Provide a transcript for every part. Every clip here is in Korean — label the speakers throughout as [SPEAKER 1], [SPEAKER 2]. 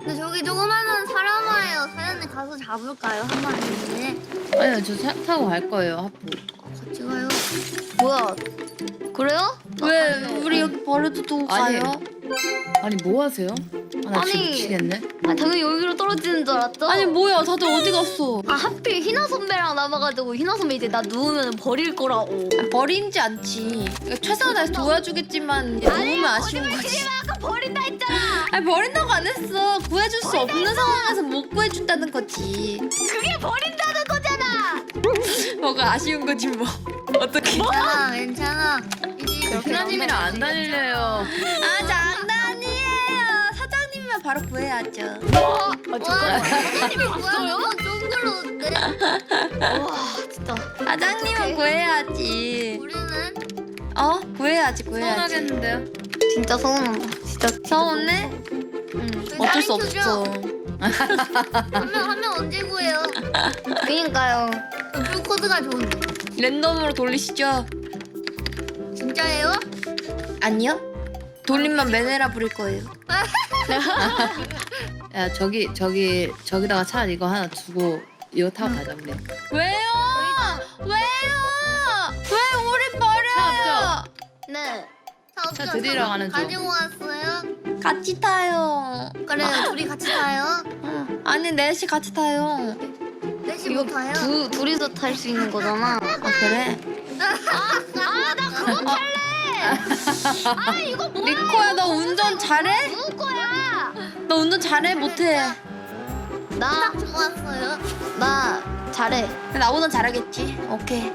[SPEAKER 1] 근데 저기 조그마한 사람 와요. 사장님 가서 잡을까요? 한 마리.
[SPEAKER 2] 아니요, 저 타고 갈 거예요, 하프.
[SPEAKER 1] 같이 가요. 뭐야? 그래요?
[SPEAKER 3] 왜 우리 여기 버려두고
[SPEAKER 2] 아니.
[SPEAKER 3] 가요?
[SPEAKER 2] 아니, 뭐 하세요? 아, 나 지금
[SPEAKER 1] 아니.
[SPEAKER 2] 미치겠네.
[SPEAKER 1] 아, 당연히 여기로 떨어지는 줄 알았죠?
[SPEAKER 3] 아니 뭐야 다들 어디 갔어?
[SPEAKER 1] 아, 하필 희나 선배랑 남아가지고 희나 선배 이제 나 누우면 버릴 거라고.
[SPEAKER 3] 버리지 않지. 최선을 다해서 도와주겠지만 너무 아쉬운 거지.
[SPEAKER 1] 아까 버린다 했잖아.
[SPEAKER 3] 아니 버린다고 안 했어. 구해줄 수 없는 상황에서 못 구해준다는 거지.
[SPEAKER 1] 그게 버린다는 거잖아.
[SPEAKER 3] 뭐가 아쉬운 거지 뭐. 어떻게?
[SPEAKER 1] 괜찮아, 괜찮아.
[SPEAKER 2] 저 희나님이랑 안 다닐래요.
[SPEAKER 3] 아 장난이에요. 사장님이면 바로 구해야죠.
[SPEAKER 1] 와, 사장님이 뭐야? 너무 쫑글러운데? 와, 진짜.
[SPEAKER 3] 사장님은 구해야지.
[SPEAKER 1] 우리는
[SPEAKER 3] 구해야지.
[SPEAKER 2] 서운하겠는데요?
[SPEAKER 1] 진짜 서운하다. 진짜
[SPEAKER 3] 서운해? 응. 어쩔 수 없어.
[SPEAKER 1] 한 명 언제 구해요? 그니까요. 풀코드가 좋은데.
[SPEAKER 3] 랜덤으로 돌리시죠.
[SPEAKER 1] 진짜예요?
[SPEAKER 3] 아니요. 돌리면 메네라 부릴 거예요.
[SPEAKER 2] 야, 저기다가 차 이거 하나 두고 이거 타고 가자, 우리.
[SPEAKER 3] 왜요? 왜요? 왜 우리 버려요?
[SPEAKER 1] 네.
[SPEAKER 2] 차 드리러 가는 중.
[SPEAKER 1] 가지고 왔어요?
[SPEAKER 3] 같이 타요.
[SPEAKER 1] 그래요. 둘이 같이 타요?
[SPEAKER 3] 아니 넷이 같이 타요.
[SPEAKER 1] 넷이 못 타요? 둘이서 탈 수 있는 거잖아.
[SPEAKER 3] 아 그래?
[SPEAKER 1] 나 그거 탈래. 아, 이거 뭐야?
[SPEAKER 3] 리코야 너 운전 잘해?
[SPEAKER 1] 누구 거야?
[SPEAKER 3] 너 운전 잘해 못해?
[SPEAKER 1] 나 좋았어요. 나 잘해.
[SPEAKER 3] 나보다 잘하겠지. 오케이.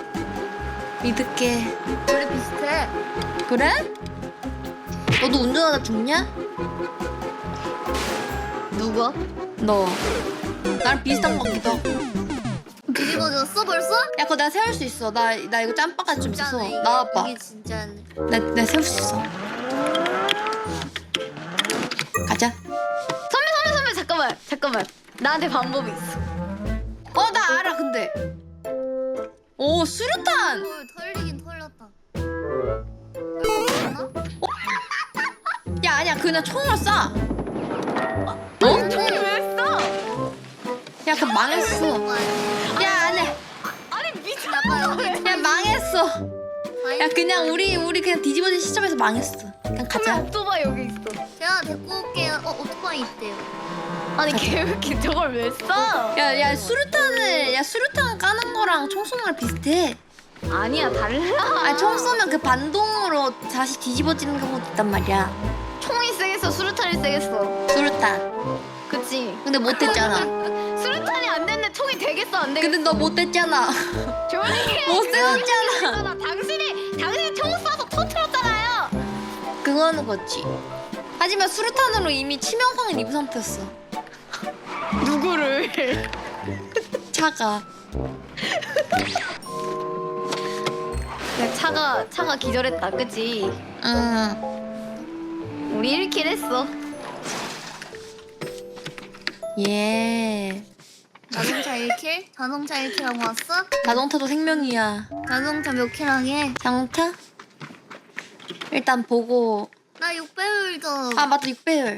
[SPEAKER 3] 믿을게.
[SPEAKER 1] 둘이 비슷해.
[SPEAKER 3] 그래? 너도 운전하다 죽냐?
[SPEAKER 1] 누가?
[SPEAKER 3] 너. 나랑 비슷한 것 같기도 하고.
[SPEAKER 1] 뒤집어졌어 벌써?
[SPEAKER 3] 야 그거 내가 세울 수 있어. 나 이거 짬바가 좀 있어서.
[SPEAKER 1] 진짜네.
[SPEAKER 3] 나와봐.
[SPEAKER 1] 이게 진짜네.
[SPEAKER 3] 내가 세울 수 있어. 가자.
[SPEAKER 1] 선배 잠깐만. 나한테 방법이 있어.
[SPEAKER 3] 나 알아 근데. 오 수류탄.
[SPEAKER 1] 털리긴 털렸다.
[SPEAKER 3] 야 아니야 그냥 총으로 쏴.
[SPEAKER 1] 총을 왜 써?
[SPEAKER 3] 야 그 망했어. 야 아니야.
[SPEAKER 1] 아니 미쳤나봐요.
[SPEAKER 3] 야 망했어. 야 그냥 우리 그냥 뒤집어진 시점에서 망했어. 그냥 가자.
[SPEAKER 1] 오토바이 여기 있어. 제가 데리고 올게요. 오토바이 있대요. 아니 걔 왜 이렇게 저걸 왜 써?
[SPEAKER 3] 야 수류탄 까는 거랑 총 쏘는 거랑 비슷해.
[SPEAKER 1] 아니야 달라.
[SPEAKER 3] 아 총 쏘면 그 반동으로 다시 뒤집어지는 경우도 있단 말이야.
[SPEAKER 1] 총이 세겠어 수류탄이 세겠어.
[SPEAKER 3] 수류탄.
[SPEAKER 1] 그치?
[SPEAKER 3] 근데 못했잖아.
[SPEAKER 1] 수류탄이 안 됐는데 총이 되겠어 안 되겠어?
[SPEAKER 3] 근데 너 못했잖아.
[SPEAKER 1] 조용히 해.
[SPEAKER 3] 못 세웠잖아.
[SPEAKER 1] 당신이 총 쏴서 터뜨렸잖아요.
[SPEAKER 3] 그거는 거지. 하지만 수류탄으로 이미 치명상을 입은 상태였어.
[SPEAKER 1] 누구를?
[SPEAKER 3] 차가.
[SPEAKER 1] 차가 기절했다 그치?
[SPEAKER 3] 응.
[SPEAKER 1] 우리 1킬 했어.
[SPEAKER 3] 예.
[SPEAKER 1] 자동차 1킬? 자동차 1킬하고 왔어?
[SPEAKER 3] 자동차도 생명이야.
[SPEAKER 1] 자동차 몇 킬하게?
[SPEAKER 3] 자동차? 일단 보고.
[SPEAKER 1] 나 6배율 좀.
[SPEAKER 3] 아 맞다 6배율.